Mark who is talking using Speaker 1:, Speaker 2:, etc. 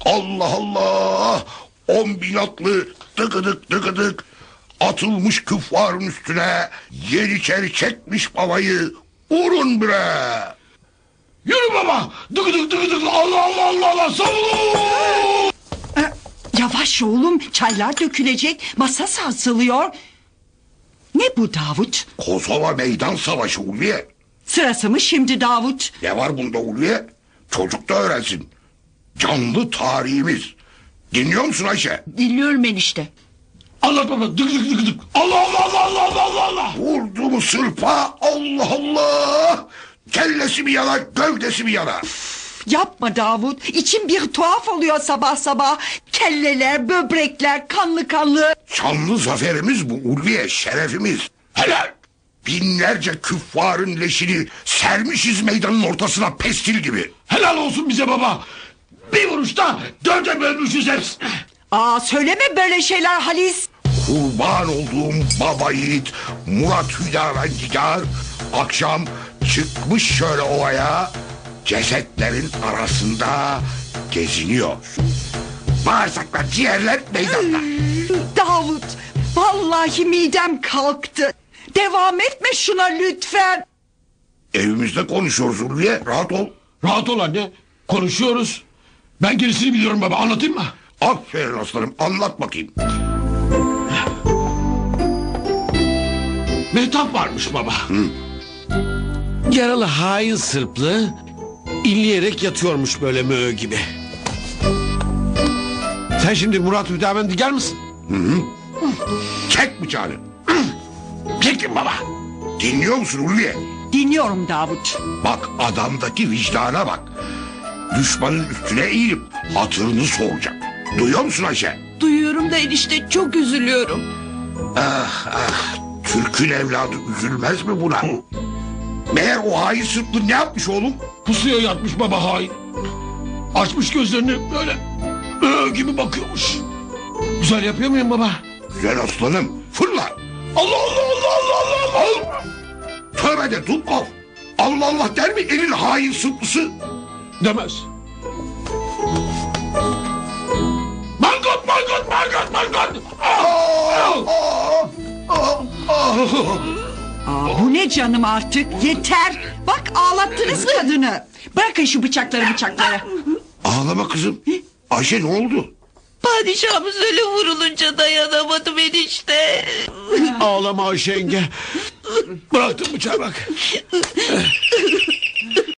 Speaker 1: Allah Allah! 10.000 atlı tıkıdık tıkıdık atılmış küffarın üstüne, yeniçeri çekmiş babayı. Vurun bre!
Speaker 2: Yürü baba. Dık dık dık. Allah Allah Allah Allah. Savun.
Speaker 3: Yavaş oğlum, çaylar dökülecek, masa sarsılıyor. Ne bu Davut?
Speaker 1: Kosova meydan savaşı Ulviye.
Speaker 3: Sırası mı şimdi Davut?
Speaker 1: Ne var bunda Ulviye? Çocuk da öğrensin. Canlı tarihimiz. Dinliyor musun Ayşe?
Speaker 3: Dinliyorum enişte.
Speaker 2: Anlat baba. Dık dık dık dık. Allah Allah Allah Allah Allah Allah Allah.
Speaker 1: Vurdu mu sırpa? Allah Allah! Kellesi mi yana, gövdesi mi yana?
Speaker 3: Yapma Davut, içim bir tuhaf oluyor sabah sabah. Kelleler, böbrekler, kanlı kanlı.
Speaker 1: Şanlı zaferimiz bu Ulviye, şerefimiz.
Speaker 2: Helal.
Speaker 1: Binlerce küffarın leşini sermişiz meydanın ortasına pestil gibi.
Speaker 2: Helal olsun bize baba. Bir vuruşta 4'e bölmüşüz hepsini.
Speaker 3: Söyleme böyle şeyler Halis.
Speaker 1: Kurban olduğum baba yiğit Murat Hüdavendigar akşam çıkmış şöyle ovaya, cesetlerin arasında geziniyor. Bağırsaklar, ciğerler meydanda.
Speaker 3: Davut, vallahi midem kalktı. Devam etme şuna lütfen.
Speaker 1: Evimizde konuşuyoruz Ulviye, rahat ol.
Speaker 2: Rahat ol anne. Konuşuyoruz. Ben gerisini biliyorum baba. Anlatayım mı?
Speaker 1: Aferin aslanım, anlat bakayım.
Speaker 2: Mehtap varmış baba. Yaralı hain Sırplı inleyerek yatıyormuş böyle möğü gibi. Sen şimdi Murat Hüdavendigar mısın?
Speaker 1: Çek bıçağını.
Speaker 2: Çekin baba.
Speaker 1: Dinliyor musun Ulviye?
Speaker 3: Dinliyorum Davut.
Speaker 1: Bak adamdaki vicdana bak. Düşmanın üstüne eğilip hatırını soracak. Duyuyor musun Ayşe?
Speaker 4: Duyuyorum da enişte, çok üzülüyorum.
Speaker 1: Türk'ün evladı üzülmez mi buna? Meğer o hain Sırplı ne yapmış oğlum?
Speaker 2: Pusuya yatmış baba hain. Açmış gözlerini böyle gibi bakıyormuş. Güzel yapıyor muyum baba?
Speaker 1: Güzel aslanım, fırla.
Speaker 2: Allah Allah Allah Allah Allah Allah.
Speaker 1: Tövbe de Dubkov. Allah Allah der mi elin hain Sırplısı?
Speaker 2: Demez. Mangot mangot mangot mangot.
Speaker 3: Bu ne canım artık, yeter. Bak ağlattınız kadını. Bırakın şu bıçakları.
Speaker 1: Ağlama kızım. Ayşe ne oldu?
Speaker 4: Padişahımız öyle vurulunca dayanamadım enişte.
Speaker 2: Ağlama Ayşe yenge. Bıraktım bıçağı bak.